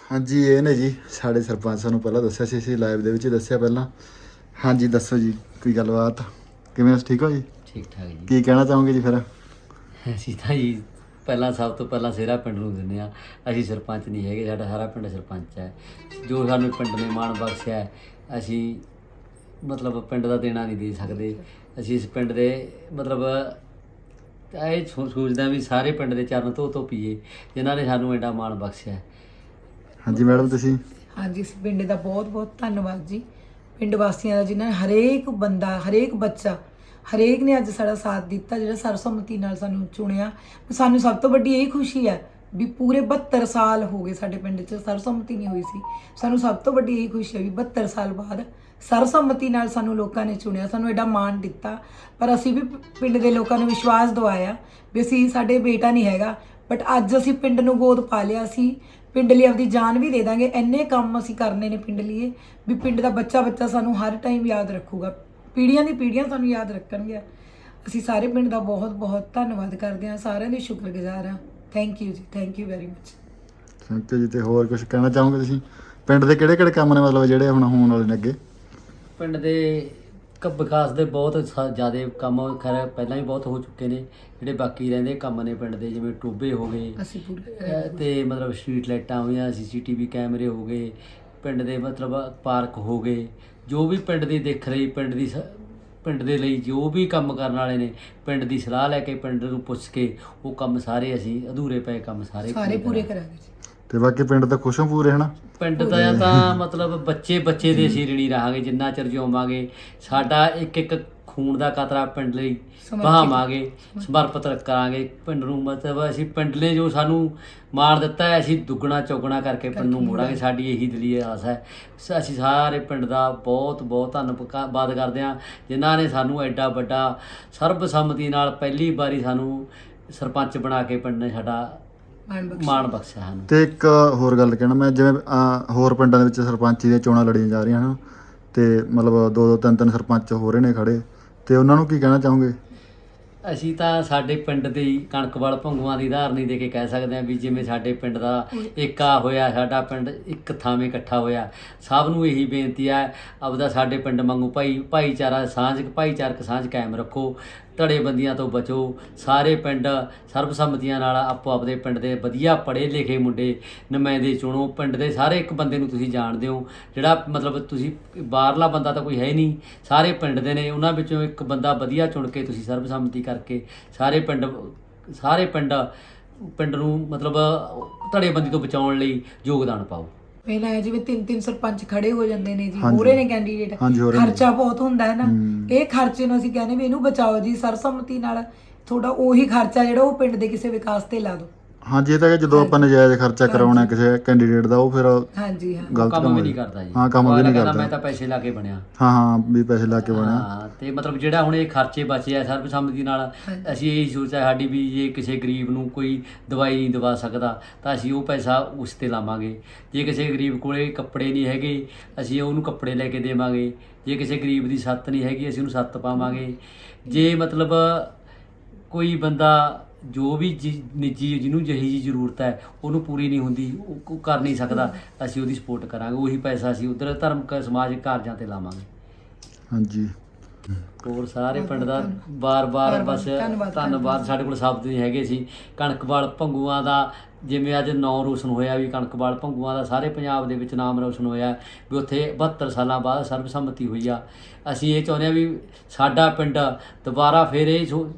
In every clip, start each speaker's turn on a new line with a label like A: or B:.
A: हाँ जी ये ने जी साढ़े सरपंच सानू पहला दस्सिया सी असीं लाइव दे विच दस्सिया पहला। हाँ जी दसो जी कोई गलबात किवें ठीक हो जी?
B: ठीक ठाक जी।
A: की कहना चाहोगे जी फिर?
B: ਅਸੀਂ ਤਾਂ ਜੀ ਪਹਿਲਾਂ ਸਭ ਤੋਂ ਪਹਿਲਾਂ ਸਿਹਰਾ ਪਿੰਡ ਨੂੰ ਦਿੰਦੇ ਹਾਂ। ਅਸੀਂ ਸਰਪੰਚ ਨਹੀਂ ਹੈਗੇ, ਸਾਡਾ ਸਾਰਾ ਪਿੰਡ ਸਰਪੰਚ ਹੈ। ਜੋ ਸਾਨੂੰ ਪਿੰਡ ਨੇ ਮਾਣ ਬਖਸ਼ਿਆ ਹੈ, ਅਸੀਂ ਮਤਲਬ ਪਿੰਡ ਦਾ ਦੇਣਾ ਨਹੀਂ ਦੇ ਸਕਦੇ। ਅਸੀਂ ਇਸ ਪਿੰਡ ਦੇ ਮਤਲਬ ਇਹ ਸੋਚਦੇ ਹਾਂ ਵੀ ਸਾਰੇ ਪਿੰਡ ਦੇ ਚਰਨ ਧੋ ਪੀਏ ਜਿਨ੍ਹਾਂ ਨੇ ਸਾਨੂੰ ਐਡਾ ਮਾਣ ਬਖਸ਼ਿਆ ਹੈ।
A: हाँ जी मैडम तुसीं?
C: ਹਾਂਜੀ ਇਸ ਪਿੰਡ ਦਾ ਬਹੁਤ ਬਹੁਤ ਧੰਨਵਾਦ ਜੀ, ਪਿੰਡ ਵਾਸੀਆਂ ਦਾ ਜਿਨ੍ਹਾਂ ਨੇ ਹਰੇਕ ਬੰਦਾ ਹਰੇਕ ਬੱਚਾ ਹਰੇਕ ਨੇ ਅੱਜ ਸਾਡਾ ਸਾਥ ਦਿੱਤਾ, ਜਿਹੜਾ ਸਰਬਸੰਮਤੀ ਨਾਲ ਸਾਨੂੰ ਚੁਣਿਆ। ਸਾਨੂੰ ਸਭ ਤੋਂ ਵੱਡੀ ਇਹ ਖੁਸ਼ੀ ਹੈ ਵੀ ਪੂਰੇ 72 ਸਾਲ ਹੋ ਗਏ ਸਾਡੇ ਪਿੰਡ 'ਚ ਸਰਬਸੰਮਤੀ ਨਹੀਂ ਹੋਈ ਸੀ। ਸਾਨੂੰ ਸਭ ਤੋਂ ਵੱਡੀ ਇਹ ਖੁਸ਼ੀ ਹੈ ਵੀ 72 ਸਾਲ ਬਾਅਦ ਸਰਬਸੰਮਤੀ ਨਾਲ ਸਾਨੂੰ ਲੋਕਾਂ ਨੇ ਚੁਣਿਆ, ਸਾਨੂੰ ਐਡਾ ਮਾਣ ਦਿੱਤਾ। ਪਰ ਅਸੀਂ ਵੀ ਪਿੰਡ ਦੇ ਲੋਕਾਂ ਨੂੰ ਵਿਸ਼ਵਾਸ ਦਿਵਾਇਆ ਵੀ ਅਸੀਂ ਸਾਡੇ ਬੇਟਾ ਨਹੀਂ ਹੈਗਾ, ਬਟ ਅੱਜ ਅਸੀਂ ਪਿੰਡ ਨੂੰ ਗੋਦ ਪਾ ਲਿਆ। ਅਸੀਂ ਪਿੰਡ ਲਈ ਆਪਦੀ ਜਾਨ ਵੀ ਦੇ ਦਾਂਗੇ, ਇੰਨੇ ਕੰਮ ਅਸੀਂ ਕਰਨੇ ਨੇ ਪਿੰਡ ਲਈ ਵੀ ਪਿੰਡ ਦਾ ਬੱਚਾ ਸਾਨੂੰ ਹਰ ਟਾਈਮ ਯਾਦ ਰੱਖੂਗਾ, ਪੀੜ੍ਹੀਆਂ ਦੀ ਪੀੜ੍ਹੀਆਂ ਸਾਨੂੰ ਯਾਦ ਰੱਖਣਗੇ। ਅਸੀਂ ਸਾਰੇ ਪਿੰਡ ਦਾ ਬਹੁਤ ਬਹੁਤ ਧੰਨਵਾਦ ਕਰਦੇ ਹਾਂ, ਸਾਰਿਆਂ ਦੇ ਸ਼ੁਕਰਗੁਜ਼ਾਰ ਹਾਂ। Thank you ji, thank you very much.
A: Thank you ji. ਤੇ ਹੋਰ ਕੁਝ ਕਹਿਣਾ ਚਾਹੋਗੇ ਤੁਸੀਂ ਪਿੰਡ ਦੇ ਕਿਹੜੇ ਕੰਮ ਨੇ ਮਤਲਬ ਜਿਹੜੇ ਹੁਣ ਹੋਣ ਵਾਲੇ ਨੇ ਅੱਗੇ?
B: ਪਿੰਡ ਦੇ ਵਿਕਾਸ ਦੇ ਬਹੁਤ ਜ਼ਿਆਦਾ ਕੰਮ ਖੈਰ ਪਹਿਲਾਂ ਹੀ ਬਹੁਤ ਹੋ ਚੁੱਕੇ ਨੇ। ਜਿਹੜੇ ਬਾਕੀ ਰਹਿੰਦੇ ਕੰਮ ਨੇ ਪਿੰਡ ਦੇ, ਜਿਵੇਂ ਟੋਭੇ ਹੋ ਗਏ
C: ਅਸੀਂ ਪੂਰੇ
B: ਤੇ ਮਤਲਬ ਸਟਰੀਟ ਲਾਈਟਾਂ ਹੋਈਆਂ, CCTV ਕੈਮਰੇ ਹੋ ਗਏ, ਪਿੰਡ ਦੇ ਮਤਲਬ ਪਾਰਕ ਹੋ ਗਏ, ਜੋ ਵੀ ਪਿੰਡ ਦੀ ਦਿੱਖ ਰਹੀ ਪਿੰਡ ਦੇ ਲਈ ਜੋ ਵੀ ਕੰਮ ਕਰਨ ਵਾਲੇ ਨੇ ਪਿੰਡ ਦੀ ਸਲਾਹ ਲੈ ਕੇ ਪਿੰਡ ਨੂੰ ਪੁੱਛ ਕੇ ਉਹ ਕੰਮ ਸਾਰੇ ਅਸੀਂ ਅਧੂਰੇ ਪਏ ਕੰਮ ਸਾਰੇ
C: ਪੂਰੇ ਕਰਾਂਗੇ ਜੀ।
A: ਤੇ ਬਾਕੀ ਪਿੰਡ ਦਾ ਖੁਸ਼ ਹੋ ਪੂਰੇ ਹਨਾ?
B: ਪਿੰਡ ਦਾ ਤਾਂ ਮਤਲਬ ਬੱਚੇ ਦੇ ਅਸੀਂ ਰਣੀ ਰਹਾਂਗੇ ਜਿੰਨਾ ਚਿਰ ਜਿਉਵਾਂਗੇ। ਸਾਡਾ ਇੱਕ ਖੂਨ ਦਾ ਕਤਰਾ ਪਿੰਡ ਲਈ ਬਹਾਵਾਂਗੇ, ਸਮਰਪਿਤ ਕਰਾਂਗੇ ਪਿੰਡ ਨੂੰ। ਮਤਲਬ ਅਸੀਂ ਪਿੰਡ ਲਈ ਜੋ ਸਾਨੂੰ ਮਾਣ ਦਿੱਤਾ ਹੈ ਅਸੀਂ ਦੁੱਗਣਾ ਚੌਗਣਾ ਕਰਕੇ ਪਿੰਡ ਨੂੰ ਮੋੜਾਂਗੇ, ਸਾਡੀ ਇਹੀ ਦਿਲੀ ਆਸ ਹੈ। ਅਸੀਂ ਸਾਰੇ ਪਿੰਡ ਦਾ ਬਹੁਤ ਬਹੁਤ ਧੰਨਵਾਦ ਕਰਦੇ ਹਾਂ ਜਿਨ੍ਹਾਂ ਨੇ ਸਾਨੂੰ ਐਡਾ ਵੱਡਾ ਸਰਬਸੰਮਤੀ ਨਾਲ ਪਹਿਲੀ ਵਾਰੀ ਸਾਨੂੰ ਸਰਪੰਚ ਬਣਾ ਕੇ ਪਿੰਡ ਨੇ ਸਾਡਾ ਮਾਣ ਬਖਸ਼ਿਆ ਹਨ।
A: ਤੇ ਇੱਕ ਹੋਰ ਗੱਲ ਕਹਿਣਾ ਮੈਂ, ਜਿਵੇਂ ਹੋਰ ਪਿੰਡਾਂ ਦੇ ਵਿੱਚ ਸਰਪੰਚੀ ਦੀਆਂ ਚੋਣਾਂ ਲੜੀਆਂ ਜਾ ਰਹੀਆਂ ਹਨ ਤੇ ਮਤਲਬ 2-3 ਸਰਪੰਚ ਹੋ ਰਹੇ ਨੇ ਖੜੇ, ਤੇ ਉਹਨਾਂ ਨੂੰ ਕੀ ਕਹਿਣਾ ਚਾਹੋਗੇ?
B: ਅਸੀਂ ਤਾਂ ਸਾਡੇ ਪਿੰਡ ਦੀ ਕਣਕਵਾਲ ਭੰਗੂਆਂ ਦੀ ਉਦਾਹਰਣੀ ਦੇ ਕੇ ਕਹਿ ਸਕਦੇ ਹਾਂ ਵੀ ਜਿਵੇਂ ਸਾਡੇ ਪਿੰਡ ਦਾ ਏਕਾ ਹੋਇਆ, ਸਾਡਾ ਪਿੰਡ ਇੱਕ ਥਾਵੇਂ ਇਕੱਠਾ ਹੋਇਆ। ਸਭ ਨੂੰ ਇਹੀ ਬੇਨਤੀ ਹੈ ਆਪਦਾ ਸਾਡੇ ਪਿੰਡ ਵਾਂਗੂ ਭਾਈਚਾਰਕ ਸਾਂਝ ਕਾਇਮ ਰੱਖੋ, ਧੜੇਬੰਦੀਆਂ ਤੋਂ ਬਚੋ। ਸਾਰੇ ਪਿੰਡ ਸਰਬਸੰਮਤੀਆਂ ਨਾਲ ਆਪੋ ਆਪਦੇ ਪਿੰਡ ਦੇ ਵਧੀਆ ਪੜ੍ਹੇ ਲਿਖੇ ਮੁੰਡੇ ਨੁਮਾਇੰਦੇ ਚੁਣੋ। ਪਿੰਡ ਦੇ ਸਾਰੇ ਇੱਕ ਬੰਦੇ ਨੂੰ ਤੁਸੀਂ ਜਾਣਦੇ ਹੋ, ਜਿਹੜਾ ਮਤਲਬ ਤੁਸੀਂ ਬਾਹਰਲਾ ਬੰਦਾ ਤਾਂ ਕੋਈ ਹੈ ਨਹੀਂ, ਸਾਰੇ ਪਿੰਡ ਦੇ ਨੇ, ਉਹਨਾਂ ਵਿੱਚੋਂ ਇੱਕ ਬੰਦਾ ਵਧੀਆ ਚੁਣ ਕੇ ਤੁਸੀਂ ਸਰਬਸੰਮਤੀ ਕਰਕੇ ਸਾਰੇ ਪਿੰਡ ਨੂੰ ਮਤਲਬ ਧੜੇਬੰਦੀ ਤੋਂ ਬਚਾਉਣ ਲਈ ਯੋਗਦਾਨ ਪਾਓ।
C: ਪਹਿਲਾਂ ਹੈ ਜਿਵੇਂ 3 ਸਰਪੰਚ ਖੜੇ ਹੋ ਜਾਂਦੇ ਨੇ ਜੀ, ਹੋ ਰਹੇ ਨੇ ਕੈਂਡੀਡੇਟ, ਖਰਚਾ ਬਹੁਤ ਹੁੰਦਾ ਹੈ ਨਾ। ਇਹ ਖਰਚੇ ਨੂੰ ਅਸੀਂ ਕਹਿੰਦੇ ਵੀ ਇਹਨੂੰ ਬਚਾਓ ਜੀ, ਸਰਬਸੰਮਤੀ ਨਾਲ ਥੋੜਾ ਉਹੀ ਖਰਚਾ ਜਿਹੜਾ ਉਹ ਪਿੰਡ ਦੇ ਕਿਸੇ ਵਿਕਾਸ ਤੇ ਲਾ ਦਿਓ।
A: ਹਾਂਜੀ ਇਹ ਤਾਂ ਕਿ ਜਦੋਂ ਆਪਾਂ ਨਜਾਇਜ਼ ਖਰਚਾ ਕਰਾਉਣਾ ਕਿਸੇ ਕੈਂਡੀਡੇਟ ਦਾ ਉਹ ਫਿਰ
C: ਹਾਂਜੀ
A: ਗਲਤ
B: ਕੰਮ ਵੀ ਨਹੀਂ ਕਰਦਾ ਜੀ।
A: ਹਾਂ ਕੰਮ ਵੀ ਨਹੀਂ ਕਰਦਾ।
B: ਮੈਂ ਤਾਂ ਪੈਸੇ ਲਾ ਕੇ ਬਣਿਆ।
A: ਹਾਂ ਵੀ ਪੈਸੇ ਲਾ ਕੇ ਬਣਿਆ।
B: ਹਾਂ ਤੇ ਮਤਲਬ ਜਿਹੜਾ ਹੁਣ ਇਹ ਖਰਚੇ ਬਚੇ ਆ ਸਰਬਸੰਮਤੀ ਨਾਲ, ਅਸੀਂ ਇਹ ਸੋਚਿਆ ਸਾਡੀ ਵੀ ਜੇ ਕਿਸੇ ਗਰੀਬ ਨੂੰ ਕੋਈ ਦਵਾਈ ਨਹੀਂ ਦਵਾ ਸਕਦਾ ਤਾਂ ਅਸੀਂ ਉਹ ਪੈਸਾ ਉਸ ਤੇ ਲਾਵਾਂਗੇ। ਜੇ ਕਿਸੇ ਗਰੀਬ ਕੋਲੇ ਕੱਪੜੇ ਨਹੀਂ ਹੈਗੇ ਅਸੀਂ ਉਹਨੂੰ ਕੱਪੜੇ ਲੈ ਕੇ ਦੇਵਾਂਗੇ। ਜੇ ਕਿਸੇ ਗਰੀਬ ਦੀ ਛੱਤ ਨਹੀਂ ਹੈਗੀ ਅਸੀਂ ਉਹਨੂੰ ਛੱਤ ਪਾਵਾਂਗੇ। ਜੇ ਮਤਲਬ ਕੋਈ ਬੰਦਾ ਜੋ ਵੀ ਨਿੱਜੀ ਜਿਹਨੂੰ ਜਿਹੀ ਜੀ ਜ਼ਰੂਰਤ ਹੈ ਉਹਨੂੰ ਪੂਰੀ ਨਹੀਂ ਹੁੰਦੀ, ਉਹ ਕਰ ਨਹੀਂ ਸਕਦਾ, ਅਸੀਂ ਉਹਦੀ ਸਪੋਰਟ ਕਰਾਂਗੇ। ਉਹੀ ਪੈਸਾ ਅਸੀਂ ਉੱਧਰ ਧਰਮਕ ਸਮਾਜਿਕ ਕਾਰਜਾਂ ਤੇ ਲਾਵਾਂਗੇ।
A: ਹਾਂਜੀ
B: ਹੋਰ ਸਾਰੇ ਪਿੰਡ ਦਾ ਬਾਰ-ਬਾਰ ਬਸ ਧੰਨਵਾਦ। ਸਾਡੇ ਕੋਲ ਸ਼ਬਦ ਨਹੀਂ ਹੈਗੇ ਸੀ। ਕਣਕਵਾਲ ਭੰਗੂਆਂ ਦਾ ਜਿਵੇਂ ਅੱਜ ਨਾਂ ਰੋਸ਼ਨ ਹੋਇਆ ਵੀ ਕਣਕਵਾਲ ਭੰਗੂਆਂ ਦਾ ਸਾਰੇ ਪੰਜਾਬ ਦੇ ਵਿੱਚ ਨਾਮ ਰੋਸ਼ਨ ਹੋਇਆ ਵੀ ਉੱਥੇ 72 ਸਾਲਾਂ ਬਾਅਦ ਸਰਬਸੰਮਤੀ ਹੋਈ ਆ। ਅਸੀਂ ਇਹ ਚਾਹੁੰਦੇ ਹਾਂ ਵੀ ਸਾਡਾ ਪਿੰਡ ਦੁਬਾਰਾ ਫਿਰ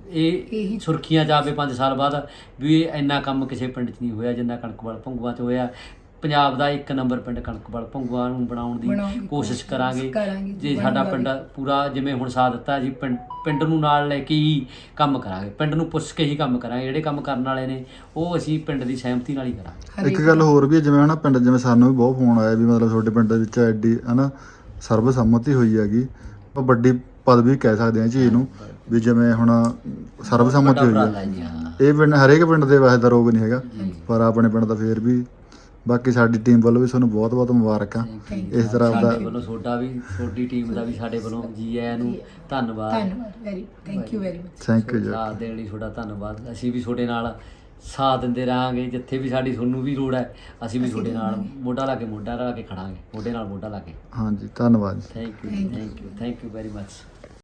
B: ਇਹ ਸੁਰਖੀਆਂ 'ਚ ਆਵੇ 5 ਸਾਲ ਬਾਅਦ ਵੀ ਇੰਨਾ ਕੰਮ ਕਿਸੇ ਪਿੰਡ 'ਚ ਨਹੀਂ ਹੋਇਆ ਜਿੰਨਾ ਕਣਕਵਾਲ ਭੰਗੂਆਂ 'ਚ ਹੋਇਆ। ਪੰਜਾਬ ਦਾ 1 ਨੰਬਰ ਪਿੰਡ ਕਣਕਵਾਲ ਭੰਗੂਆਂ ਨੂੰ ਬਣਾਉਣ ਦੀ ਕੋਸ਼ਿਸ਼ ਕਰਾਂਗੇ। ਜੇ ਸਾਡਾ ਪਿੰਡ ਪੂਰਾ ਜਿਵੇਂ ਹੁਣ ਸਾਥ ਦਿੱਤਾ ਜੀ, ਪਿੰਡ ਨੂੰ ਨਾਲ ਲੈ ਕੇ ਹੀ ਕੰਮ ਕਰਾਂਗੇ, ਪਿੰਡ ਨੂੰ ਪੁੱਛ ਕੇ ਹੀ ਕੰਮ ਕਰਾਂਗੇ। ਜਿਹੜੇ ਕੰਮ ਕਰਨ ਵਾਲੇ ਨੇ ਉਹ ਅਸੀਂ ਪਿੰਡ ਦੀ ਸਹਿਮਤੀ ਨਾਲ ਹੀ ਕਰਾਂਗੇ।
A: ਇੱਕ ਗੱਲ ਹੋਰ ਵੀ ਜਿਵੇਂ ਹਨਾ ਪਿੰਡ ਜਿਵੇਂ ਸਾਨੂੰ ਵੀ ਬਹੁਤ ਫੋਨ ਆਇਆ ਵੀ ਮਤਲਬ ਤੁਹਾਡੇ ਪਿੰਡ ਦੇ ਵਿੱਚ ਐਡੀ ਹਨਾ ਸਰਬਸੰਮਤੀ ਹੋਈ ਹੈਗੀ, ਉਹ ਵੱਡੀ ਪਦਵੀ ਕਹਿ ਸਕਦੇ ਹਾਂ ਚੀਜ਼ ਨੂੰ ਵੀ ਜਿਵੇਂ ਹੁਣ ਸਰਬਸੰਮਤੀ ਹੋਈ ਹੈ। ਇਹ ਪਿੰਡ ਹਰੇਕ ਪਿੰਡ ਦੇ ਵੈਸੇ ਦਾ ਰੋਗ ਨਹੀਂ ਹੈਗਾ ਪਰ ਆਪਣੇ ਪਿੰਡ ਦਾ ਫੇਰ ਵੀ। ਬਾਕੀ ਸਾਡੀ ਟੀਮ ਵੱਲੋਂ ਵੀ ਤੁਹਾਨੂੰ ਬਹੁਤ ਬਹੁਤ ਮੁਬਾਰਕਾਂ ਇਸ ਤਰ੍ਹਾਂ ਦਾ
B: ਵੱਲੋਂ ਤੁਹਾਡੀ ਟੀਮ ਦਾ ਵੀ ਸਾਡੇ ਵੱਲੋਂ ਜੀ ਆਇਆਂ ਨੂੰ ਧੰਨਵਾਦ।
C: Thank you very much.
A: Thank you ji.
B: ਸਾਥ ਦੇਣ ਲਈ ਤੁਹਾਡਾ ਧੰਨਵਾਦ। ਅਸੀਂ ਵੀ ਤੁਹਾਡੇ ਨਾਲ ਸਾਥ ਦਿੰਦੇ ਰਹਾਂਗੇ। ਜਿੱਥੇ ਵੀ ਸਾਡੀ ਤੁਹਾਨੂੰ ਵੀ ਲੋੜ ਹੈ ਅਸੀਂ ਵੀ ਤੁਹਾਡੇ ਨਾਲ ਮੋਢਾ ਲਾ ਕੇ ਖੜਾਂਗੇ, ਮੋਢੇ ਨਾਲ ਮੋਢਾ ਲਾ ਕੇ।
A: ਹਾਂਜੀ ਧੰਨਵਾਦ ਜੀ।
B: Thank you very much.